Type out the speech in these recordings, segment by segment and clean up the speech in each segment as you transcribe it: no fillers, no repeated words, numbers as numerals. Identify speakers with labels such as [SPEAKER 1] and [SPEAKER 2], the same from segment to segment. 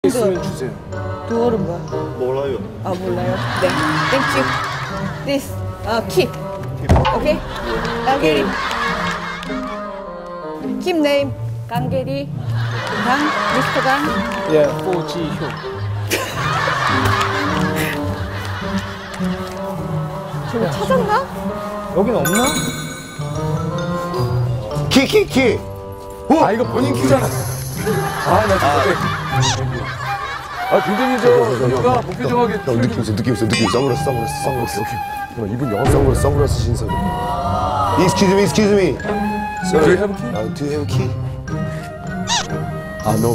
[SPEAKER 1] 있으면 주세요.
[SPEAKER 2] 두얼은 뭐야?
[SPEAKER 3] 몰라요.
[SPEAKER 2] 아 몰라요? 네. 땡큐. This. keep. 오케이? 깡게리. keep name. 깡게리. 강. 미스터 강.
[SPEAKER 1] 예, 포지효.
[SPEAKER 2] 저거 찾았나?
[SPEAKER 1] 여긴 없나?
[SPEAKER 3] 키.
[SPEAKER 1] 아, 이거 본인 키잖아. 아, 나 진짜. 굉장히 뭔가 복귀정하게.
[SPEAKER 3] 느낌 있어. 선글라스. 이분 영어 선글라스 신선. Excuse me.
[SPEAKER 1] Do you have a key?
[SPEAKER 3] Do you have a key?
[SPEAKER 1] No.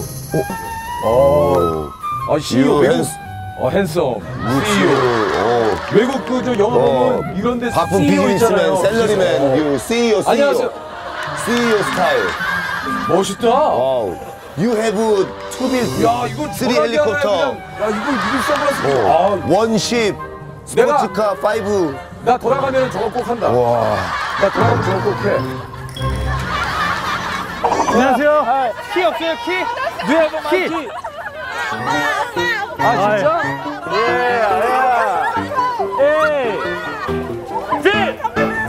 [SPEAKER 1] CEO 외국. 핸섬. CEO. 외국 영어 보면 이런 데
[SPEAKER 3] 바쁜
[SPEAKER 1] CEO
[SPEAKER 3] 비즈니스맨,
[SPEAKER 1] 있잖아요.
[SPEAKER 3] 샐러리맨, CEO.
[SPEAKER 1] 안녕하세요.
[SPEAKER 3] CEO 스타일.
[SPEAKER 1] 멋있다.
[SPEAKER 3] You have two bills,
[SPEAKER 1] 야, 이거
[SPEAKER 3] three 헬리콥터,
[SPEAKER 1] 야, 이거 선글라스.
[SPEAKER 3] one ship, 스포츠카 5.
[SPEAKER 1] 나 돌아가면 저거 꼭 한다.
[SPEAKER 3] 와.
[SPEAKER 1] 나 돌아가면 저거 꼭 해.
[SPEAKER 4] 안녕하세요. 키 없어요, 키?
[SPEAKER 1] 네, 키. 아, 진짜?
[SPEAKER 4] 예, 아야. 에이. 딜!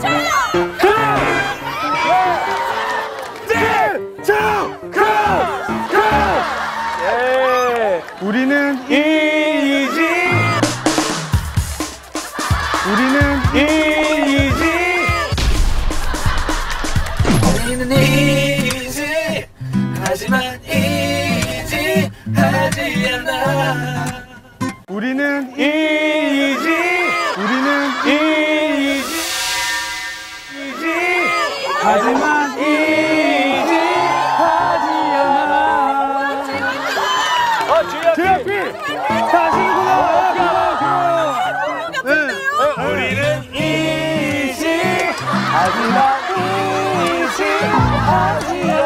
[SPEAKER 4] 예. 우리는 이지. 우리는 이지. 하지만 이지 하지 않아. 우리는 이지. 하지만 이지 하지 않아. JYP 다시구나. 우리는 이지 하지만 이지 하지 않아.